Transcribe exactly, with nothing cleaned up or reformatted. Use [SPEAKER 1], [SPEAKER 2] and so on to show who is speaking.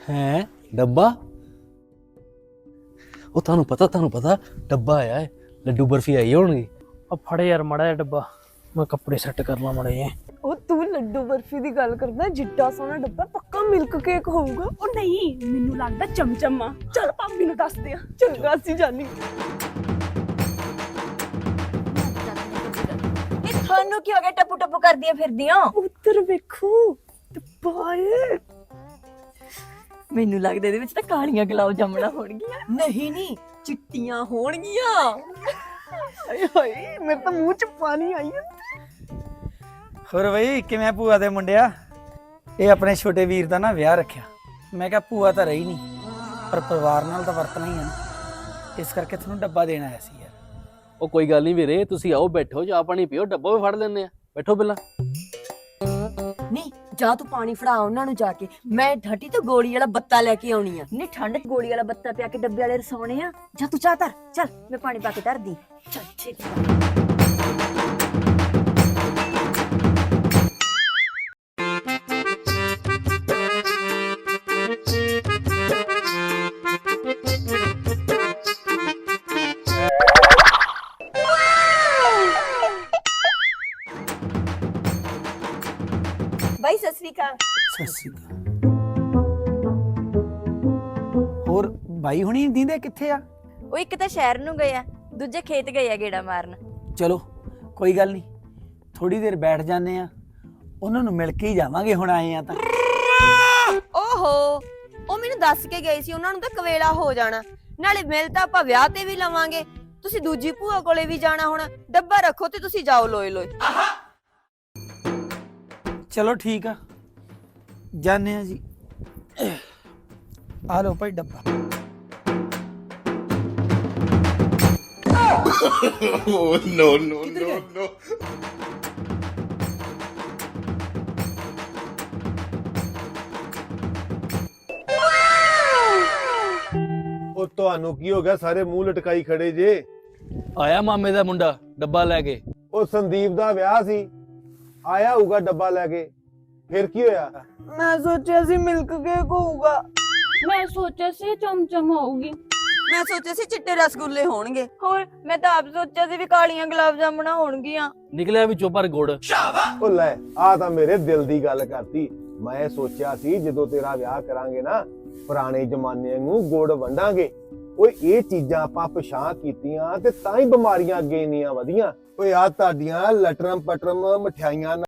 [SPEAKER 1] है डब्बा ਉਹ ਤੁਹਾਨੂੰ ਪਤਾ ਤੁਹਾਨੂੰ ਪਤਾ ਡੱਬਾ ਆਇਆ ਹੈ ਲੱਡੂ ਬਰਫੀ ਆਈ ਹੋਣਗੀ
[SPEAKER 2] ਆ ਫੜੇ ਯਾਰ ਮੜਾ ਡੱਬਾ ਮੈਂ ਕੱਪੜੇ ਸੈੱਟ ਕਰ ਲਾਂ ਮੜੇ ਜੇ
[SPEAKER 3] ਉਹ ਤੂੰ ਲੱਡੂ ਬਰਫੀ ਦੀ ਗੱਲ ਕਰਦਾ ਜਿੱਡਾ ਸੋਹਣਾ ਡੱਬਾ ਪੱਕਾ ਮਿਲਕ ਕੇਕ ਹੋਊਗਾ।
[SPEAKER 4] ਉਹ ਨਹੀਂ ਮੈਨੂੰ ਲੱਗਦਾ ਚਮਚਮ ਆ। ਚੱਲ ਭਾਬੀ ਨੂੰ ਦੱਸਦੇ ਆ।
[SPEAKER 3] ਚੰਗਾ ਸੀ ਜਾਨੀ।
[SPEAKER 5] ਇਹ ਤੁਹਾਨੂੰ ਕੀ ਹੋ ਗਿਆ ਟੱਪੂ ਟੱਪੂ ਕਰਦੀਆਂ ਫਿਰਦੀਆਂ?
[SPEAKER 3] ਉੱਤਰ ਵੇਖੋ ਡੱਬਾ ਏ।
[SPEAKER 5] ਮੈਨੂੰ ਲੱਗਦਾ ਇਹਦੇ ਵਿੱਚ ਤਾਂ ਕਾਲੀਆਂ ਗੁਲਾਬ ਜਾਮਣਾ ਹੋਣਗੀਆਂ। ਨਹੀਂ ਨਹੀਂ ਚਿੱਟੀਆਂ ਹੋਣਗੀਆਂ।
[SPEAKER 3] ਹਾਏ ਹਾਏ ਮੇਰੇ ਤਾਂ ਮੂੰਹ ਚ ਪਾਣੀ ਆਈ ਹੈ।
[SPEAKER 6] ਹੋਰ ਬਈ ਕਿਵੇਂ ਭੂਆ ਦੇ ਮੁੰਡਿਆ? ਇਹ ਆਪਣੇ ਛੋਟੇ ਵੀਰ ਦਾ ਨਾ ਵਿਆਹ ਰੱਖਿਆ। ਮੈਂ ਕਿਹਾ ਭੂਆ ਤਾਂ ਰਹੀ ਨਹੀਂ ਪਰ ਪਰਿਵਾਰ ਨਾਲ ਤਾਂ ਵਰਤਣਾ ਹੀ ਹੈ ਨਾ, ਇਸ ਕਰਕੇ ਤੁਹਾਨੂੰ ਡੱਬਾ ਦੇਣ ਆਇਆ ਸੀ ਯਾਰ।
[SPEAKER 1] ਉਹ ਕੋਈ ਗੱਲ ਨਹੀਂ ਵੀਰੇ ਤੁਸੀਂ ਆਓ ਬੈਠੋ ਚਾਹ ਪਾਣੀ ਪੀਓ ਡੱਬਾ ਵੀ ਫੜ ਲੈਂਦੇ ਆ ਬੈਠੋ ਪਹਿਲਾਂ।
[SPEAKER 5] ਨਹੀਂ ਜਾ ਤੂੰ ਪਾਣੀ ਫੜਾ ਉਹਨਾਂ ਨੂੰ ਜਾ ਕੇ, ਮੈਂ ਠੱਟੀ ਤੋਂ ਗੋਲੀ ਵਾਲਾ ਬੱਤਾ ਲੈ ਕੇ ਆਉਣੀ ਆ। ਨਹੀਂ ਠੰਡ ਚ ਗੋਲੀ ਵਾਲਾ ਬੱਤਾ ਪਿਆ ਕੇ ਡੱਬੇ ਵਾਲੇ ਰਸੌਣੇ ਆ। ਜਾ ਤੂੰ ਚਾਹ ਧਰ, ਚੱਲ ਮੈਂ ਪਾਣੀ ਪਾ ਕੇ ਧਰਦੀ। ਚੱਲ ਛੇਤੀ ਬਾਈ ਸਤਿ ਸ੍ਰੀ ਅਕਾਲ।
[SPEAKER 6] ਸਤਿ ਸ਼੍ਰੀ ਅਕਾਲ। ਹੋਰ ਬਾਈ ਹੁਣੀ ਦੀਂਦੇ ਕਿੱਥੇ ਆ?
[SPEAKER 5] ਉਹ ਇੱਕ ਤਾਂ ਸ਼ਹਿਰ ਨੂੰ ਗਏ ਆ, ਦੂਜੇ ਖੇਤ ਗਏ ਆ ਗੇੜਾ ਮਾਰਨ।
[SPEAKER 6] ਚਲੋ ਕੋਈ ਗੱਲ ਨਹੀਂ, ਥੋੜੀ ਦੇਰ ਬੈਠ ਜਾਂਦੇ ਆ, ਉਹਨਾਂ ਨੂੰ ਮਿਲ ਕੇ ਹੀ ਜਾਵਾਂਗੇ ਹੁਣ ਆਏ ਆ ਤਾਂ।
[SPEAKER 7] ਓਹੋ ਉਹ ਮੈਨੂੰ ਦੱਸ ਕੇ ਗਏ ਸੀ ਉਹਨਾਂ ਨੂੰ ਤਾਂ ਕਵੇਲਾ ਹੋ ਜਾਣਾ, ਨਾਲੇ ਮਿਲ ਤਾਂ ਆਪਾਂ ਵਿਆਹ ਤੇ ਵੀ ਲਵਾਂਗੇ। ਤੁਸੀਂ ਦੂਜੀ ਭੂਆ ਕੋਲੇ ਵੀ ਜਾਣਾ ਹੁਣ, ਡੱਬਾ ਰੱਖੋ ਤੇ ਤੁਸੀਂ ਜਾਓ ਲੋਏ ਲੋਏ।
[SPEAKER 6] ਚਲੋ ਠੀਕ ਆ ਜਾਣੇ ਆ ਜੀ। ਆ ਲਓ ਭਾਈ ਡੱਬਾ।
[SPEAKER 8] no, no, no, no.
[SPEAKER 9] ਉਹ ਤੁਹਾਨੂੰ ਕੀ ਹੋ ਗਿਆ? ਸਾਰੇ ਮੂੰਹ ਲਟਕਾਈ ਖੜੇ ਜੇ।
[SPEAKER 1] ਆਇਆ ਮਾਮੇ ਦਾ ਮੁੰਡਾ ਡੱਬਾ ਲੈ ਕੇ।
[SPEAKER 9] ਉਹ ਸੰਦੀਪ ਦਾ ਵਿਆਹ ਸੀ, ਆਇਆ ਹੋਊਗਾ ਡੱਬਾ ਲੈ ਕੇ। ਫਿਰ ਕੀ ਹੋਇਆ?
[SPEAKER 3] ਮੈਂ ਸੋਚਿਆ ਸੀ ਮਿਲਕ ਕੇਕ ਹੋਊਗਾ।
[SPEAKER 4] ਮੈਂ ਸੋਚਿਆ ਸੀ ਚਮਚਮ ਹੋਊਗੀ।
[SPEAKER 7] ਮੈਂ ਸੋਚਿਆ ਸੀ ਚਿੱਟੇ ਰਸਗੁੱਲੇ ਹੋਣਗੇ।
[SPEAKER 5] ਹੋਰ ਮੈਂ ਤਾਂ ਆਪ ਸੋਚਿਆ ਸੀ ਵੀ ਕਾਲੀਆਂ ਗੁਲਾਬ ਜਾਮਣਾ ਹੋਣਗੀਆਂ।
[SPEAKER 1] ਨਿਕਲਿਆ ਵਿੱਚੋਂ ਪਰ ਗੁੜ।
[SPEAKER 9] ਉਹ ਲੈ ਆ ਤਾਂ ਮੇਰੇ ਦਿਲ ਦੀ ਗੱਲ ਕਰਤੀ। ਮੈਂ ਸੋਚਿਆ ਸੀ ਜਦੋਂ ਤੇਰਾ ਵਿਆਹ ਕਰਾਂਗੇ ਨਾ ਪੁਰਾਣੇ ਜ਼ਮਾਨੇ ਨੂੰ ਗੁੜ ਵੰਡਾਂਗੇ। ਓਏ ਇਹ ਚੀਜ਼ਾਂ ਆਪਾਂ ਪਛਾਣ ਕੀਤੀਆਂ ਤੇ ਤਾਂ ਹੀ ਬਿਮਾਰੀਆਂ ਅੱਗੇ ਇੰਨੀਆਂ ਵਧੀਆਂ। ਓਏ ਆ ਤੁਹਾਡੀਆਂ ਲਟਰਮ ਪਟਰਮ ਮਠਿਆਈਆਂ